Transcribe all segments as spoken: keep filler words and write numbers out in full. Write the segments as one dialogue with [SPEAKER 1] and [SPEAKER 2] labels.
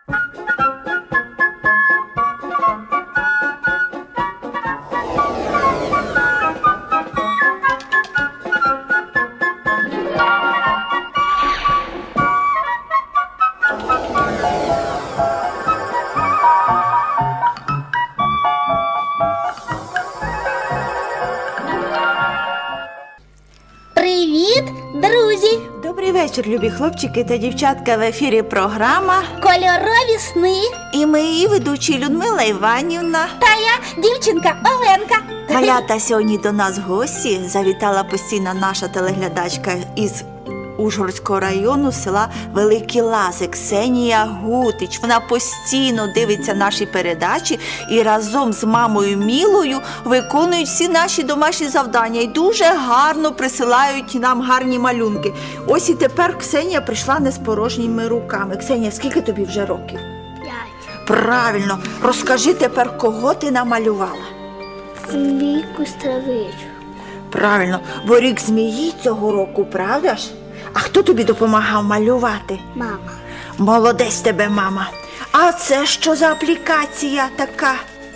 [SPEAKER 1] Привіт, друзі!
[SPEAKER 2] Добрий вечір, любі хлопчики та дівчатка. В ефірі програма
[SPEAKER 1] «Кольорові сни».
[SPEAKER 2] І ми її ведучі Людмила Іванівна
[SPEAKER 1] та я, дівчинка Оленка.
[SPEAKER 2] Малята, сьогодні до нас гості завітала постійна наша телеглядачка із Ужгородського району, села Великі Лази, Ксенія Гутич. Вона постійно дивиться наші передачі і разом з мамою Мілою виконують всі наші домашні завдання і дуже гарно присилають нам гарні малюнки. Ось і тепер Ксенія прийшла не з порожніми руками. Ксенія, скільки тобі вже років?
[SPEAKER 1] П'ять.
[SPEAKER 2] Правильно. Розкажи тепер, кого ти намалювала?
[SPEAKER 1] Змійку Стравичу.
[SPEAKER 2] Правильно, бо рік змії цього року, правда ж? А хто тобі допомагав малювати?
[SPEAKER 1] Мама.
[SPEAKER 2] Молодець тебе, мама. А це що за аплікація така?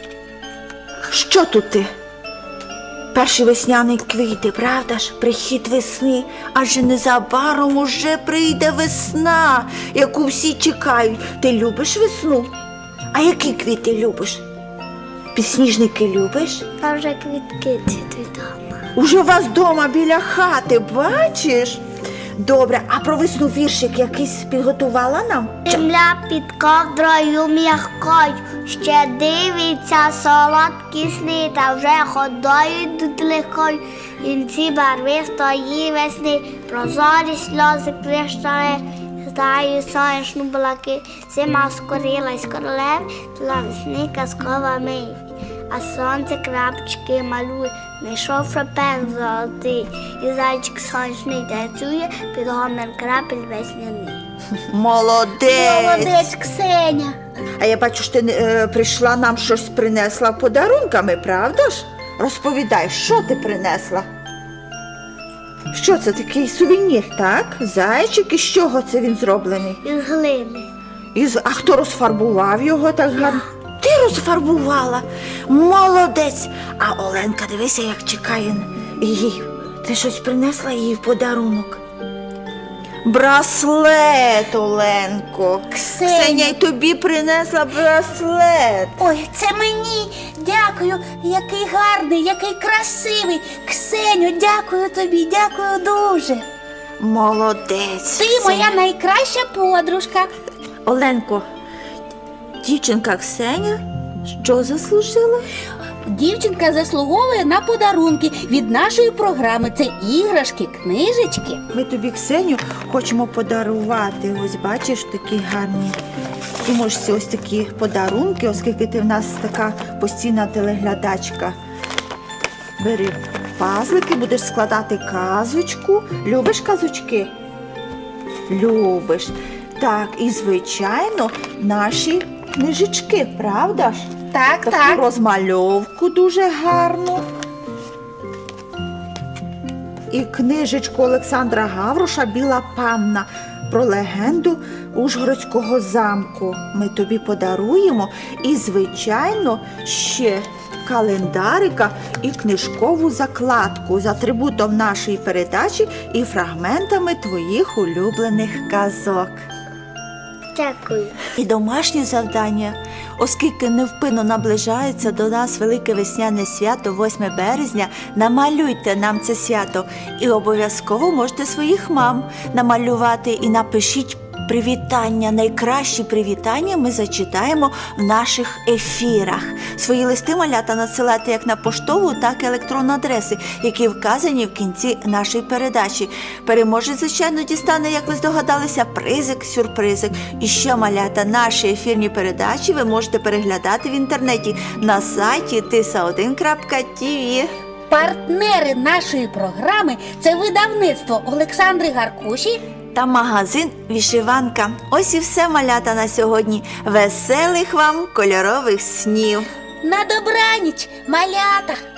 [SPEAKER 2] Що тут ти? Перші весняні квіти, правда ж? Прихід весни. Адже незабаром уже прийде весна, яку всі чекають. Ти любиш весну? А які квіти любиш? Підсніжники любиш?
[SPEAKER 1] Там вже квітки цвітуть вдома.
[SPEAKER 2] Уже у вас вдома біля хати, бачиш? Добре, а про весну віршик якийсь підготувала нам?
[SPEAKER 1] Земля під ковдрою м'якою, ще дивиться солодкі сни, та вже ходою йдуть легкою. Кінці барвистої весни, прозорі сльози криштали, здаю сонячну блакить, зима скорилась королев, для весни казкова мить. А сонце крапчики малює, знайшов Шопен золотий, і зайчик сонячний танцює під гомін крапель весняний.
[SPEAKER 2] Молодець!
[SPEAKER 1] Молодець, Ксеня!
[SPEAKER 2] А я бачу, що ти е, прийшла нам щось принесла подарунками, правда ж? Розповідай, що ти принесла? Що це, такий сувенір, так? Зайчик, із чого це він зроблений?
[SPEAKER 1] Із глини.
[SPEAKER 2] Із... А хто розфарбував його так гарно? Ти розфарбувала? Молодець! А Оленка, дивися, як чекає її. Ти щось принесла їй в подарунок? Браслет, Оленко.
[SPEAKER 1] Ксеня.
[SPEAKER 2] Ксеня й тобі принесла браслет.
[SPEAKER 1] Ой, це мені. Дякую. Який гарний, який красивий. Ксеню, дякую тобі, дякую дуже.
[SPEAKER 2] Молодець.
[SPEAKER 1] Ти моя найкраща подружка.
[SPEAKER 2] Оленко, дівчинка Ксеня що заслужила?
[SPEAKER 1] Дівчинка заслуговує на подарунки від нашої програми. Це іграшки, книжечки.
[SPEAKER 2] Ми тобі, Ксеню, хочемо подарувати. Ось бачиш, такі гарні. Ти можеш ось такі подарунки, оскільки ти в нас така постійна телеглядачка. Бери пазлики, будеш складати казочку. Любиш казочки? Любиш. Так, і, звичайно, наші книжечки, правда ж?
[SPEAKER 1] Так,
[SPEAKER 2] Таку
[SPEAKER 1] так.
[SPEAKER 2] розмальовку дуже гарну. І книжечку Олександра Гавроша «Біла панна» про легенду Ужгородського замку. Ми тобі подаруємо і, звичайно, ще календарика і книжкову закладку з атрибутом нашої передачі і фрагментами твоїх улюблених казок.
[SPEAKER 1] Дякую.
[SPEAKER 2] І домашні завдання, оскільки невпинно наближається до нас велике весняне свято, восьме березня, намалюйте нам це свято і обов'язково можете своїх мам намалювати і напишіть привітання. Найкращі привітання ми зачитаємо в наших ефірах. Свої листи, малята, надсилайте як на поштову, так і електронні адреси, які вказані в кінці нашої передачі. Переможець, звичайно, дістане, як ви здогадалися, призик, сюрпризик. І ще, малята, наші ефірні передачі ви можете переглядати в інтернеті на сайті тиса один крапка ті ві.
[SPEAKER 1] Партнери нашої програми – це видавництво Олександри Гаркуші
[SPEAKER 2] та магазин «Вишиванка». Ось і все, малята, на сьогодні. Веселих вам кольорових снів!
[SPEAKER 1] На добраніч, малята!